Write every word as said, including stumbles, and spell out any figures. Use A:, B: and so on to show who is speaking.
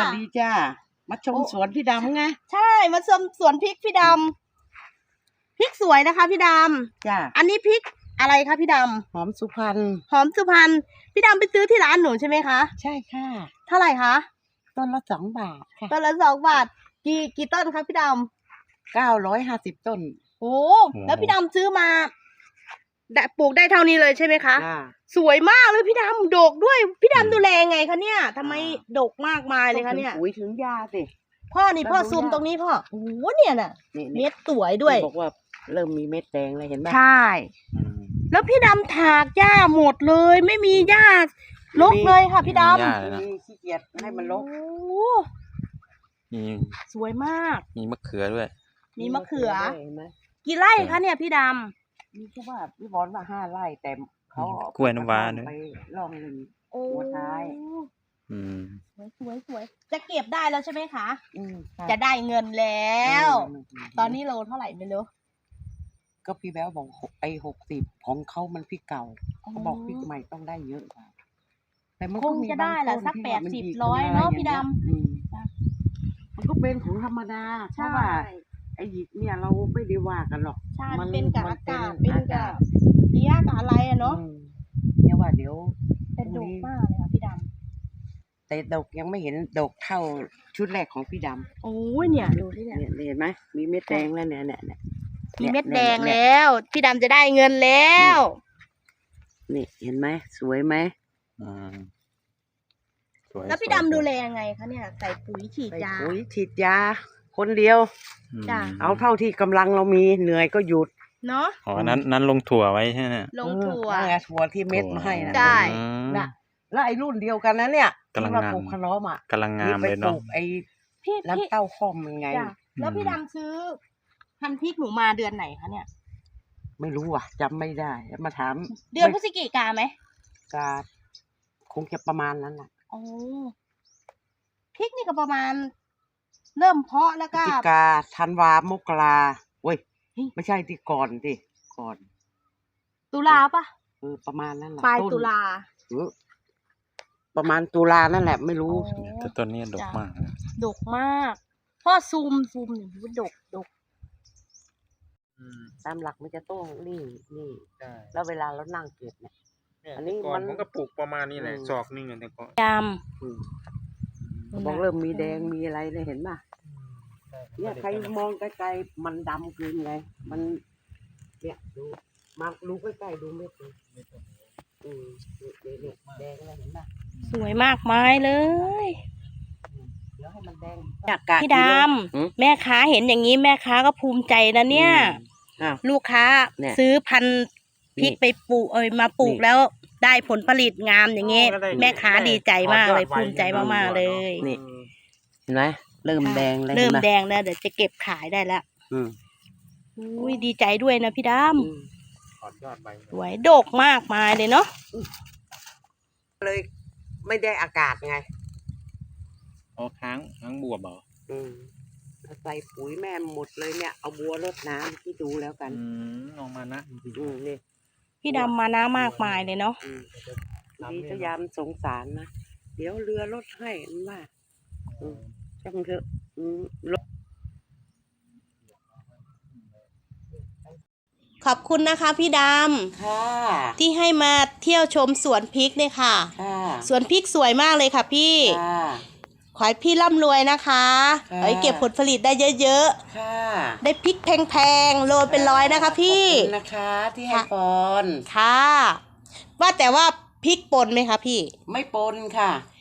A: วัสดีจ้ามาชมสวนพี่ดำไง
B: ใช่มาชมสวนพริกพี่ดำพริกสวยนะคะพี่ดำ
A: จ้า
B: อันนี้พริกอะไรคะพี่ดำ
A: หอมสุพรรณ
B: หอมสุพรรณพี่ดำไปซื้อที่ร้านหนูใช่ไหมคะ
A: ใช่ค่ะ
B: เท่าไหร่คะ
A: ต้นละสองบาทค่ะ
B: ต้นละสองบาทกี่กี่ต้นคะพี่ด
A: ำเก้าร้อยห้าสิบต้น
B: โอ้แล้วพี่ดำซื้อมาได้ปลูกได้เท่านี้เลยใช่ไหมคะสวยมากเลยพี่ดำดกด้วยพี่ดำดูแลไงคะเนี่ยทำไมดกมากมายเลยคะเนี่ย
A: ปุ๋ยถึงยาสิ
B: พ่อนี่พ่อซูมตรงนี้พ่อโอ้โหเนี่ยน่ะเม็ดสวยด้วย
A: บอกว่าเริ่มมีเม็ดแดงเลยเห็นไหม
B: ใช่แล้วพี่ดำถากหญ้าหมดเลยไม่มีหญ้ารกเลยค่ะพี่ดำ
A: มีขี้เกียจให้มันรก
C: มี
B: สวยมาก
C: มีมะเขือด้วย
B: มีมะเขือกี่ไร่คะเนี่ยพี่ดำ
A: มีแค่ว่าพี่บอลว่าห้าไร่แต่เขา
C: กล้วยน้ำว้าด้วย
A: ไปลองหนึ่ง
B: หัวท้าย
C: อืม
B: สวยสวยสวยจะเก็บได้แล้วใช่ไหมคะจะได้เงินแล้วตอนนี้โลเท่าไหร่ไม่รู้
A: ก็พี่แบ๊วบอกไอ้หกสิบของเขามันพริกเก่าเขาบอกพริกใหม่ต้องได้เยอะกว่า
B: แต่มันคงจะได้แหละสักแปดสิบร้อยเนาะพี่ดำ
A: มันก็เป็นของธรรมดาเพราะว่าไอ้หยิกเนี่ยเราไม่ได้ว่ากันหรอก
B: ใช่มันเป็นกับอากาศเป็นกับเพี้ยกับอะไรอะเนาะ
A: เนี่ยว่าเดี๋ยว
B: เป็นดกมากเลยค่ะพี่ด
A: ำแต่ดกยังไม่เห็นดกเท่าชุดแรกของพี่ดำ
B: โอ้ยเนี่ยดูที่เนี่ย
A: เห็นไหมมีเม็ดแดงแล้วเนี่ยเนี่ย
B: มีเม็ดแดงแล้วพี่ดำจะได้เงินแล้ว
A: นี่เห็นไหมสวยไหม
C: อืม
B: แล้วพี่ดำดูแลยังไงคะเนี่ยใส่ปุ๋ยฉีดยา
A: ปุ๋ยฉีดยาคนเดียว
B: จ้ะ
A: เอาเท่าที่กำลังเรามีเหนื่อยก็หยุด
B: เนาะ
C: อ๋อนั้นนั้นลงถั่วไว้ใช่ไหม
B: ลงถั่ว
A: ถั่วที่เม็ดมาให้นะ
B: ใช่
A: นะแล้วไอ้รุ่นเดียวกันนะเนี่ยที่มาปลูกขนมอ่ะ
C: กำลังงามเลยเนาะ
A: ไอ้น้ำเต้าข้อมยังไง
B: แล้วพี่ดำซื้อพันธุ์พริกหนูมาเดือนไหนคะเนี่ย
A: ไม่รู้อ่ะจำไม่ได้มาถาม
B: เดือนพฤศจิกาไหม
A: กาคงจะประมาณนั้นแหละ
B: โอ้พริกนี่ก็ประมาณเริ่มเพาะแล้วก็
A: พฤศจิกาธันวามกราเว้ยไม่ใช่ที่ก่อนดิก่อน
B: ตุลาปะ
A: เออประมาณนั้นแหละ
B: ปลายตุลา
A: เออประมาณตุลานั่นแหละไม่รู้
C: แต่ต้นนี้ดกมาก
B: ดกมากพ่อซูมซูมหนึ่งดกดก
A: ตามหลักมันจะต้องนี่นี่แล้วเวลาเรานั่งเก็บเนี่ย
C: อันนี้มันก็ปลูกประมาณนี้แหละศอกนี่ไงแต่ก็
B: จ
A: ำบอกเริ่มมีแดงมีอะไรเลยเห็นป่ะเนี่ยใครมองไกลๆมันดำเกินไงมันเนี่ยดูมาดูใกล้ๆดูไม่ถูกอืมเนี่ยแดงอะไรเห็นป่ะ
B: สวยมากมายเลย
A: เดี๋ยวให้มันแดง
B: พี่ดำแม่ค้าเห็นอย่างนี้แม่ค้าก็ภูมิใจนะเนี่ยลูกค้าซื้อพันธุ์พริกไปปลูกเอ้ยมาปลูกแล้วได้ผลผลิตงามอย่างเงี้ยแม่ค้าดีใจมากเลยภูมิใจมากๆเลย
A: นี่เห็นไหมเริ่มแดงแล้ว
B: เริ่มแดงแล้วเดี๋ยวจะเก็บขายได้แล้วอุ้ยดีใจด้วยนะพี่ดำสวยดกมากมายเลยเนาะ
A: เลยไม่ได้อากาศไง
C: อ๋อค้างค้างบวบเหรอ
A: อืมใส่ปุ๋ยแม่หมดเลยเนี่ยเอาบัวรดน้ำที่ดูแล้วกัน
C: อืมออกมานะ
A: อืมนี่
B: พี่ดำมานะมากมายเลยเนาะ
A: ดีพยายามสงสารนะเดี๋ยวเรือรถให้ว่าจังเถอะ
B: ขอบคุณนะคะพี่ดำ
A: ค่ะ
B: ที่ให้มาเที่ยวชมสวนพริกเนี่ยค่ะสวนพริกสวยมากเลยค่ะพี่ขอให้พี่ร่ำรวยนะคะขอให้เก็บผลผลิตได้เยอะๆได้พริกแพงๆโลเป็นร้อยนะคะพี่
A: ขอบคุณนะคะที่ให้ปน
B: ค่ะว่าแต่ว่าพริกปนไหมคะพี่
A: ไม่ปนค่ะ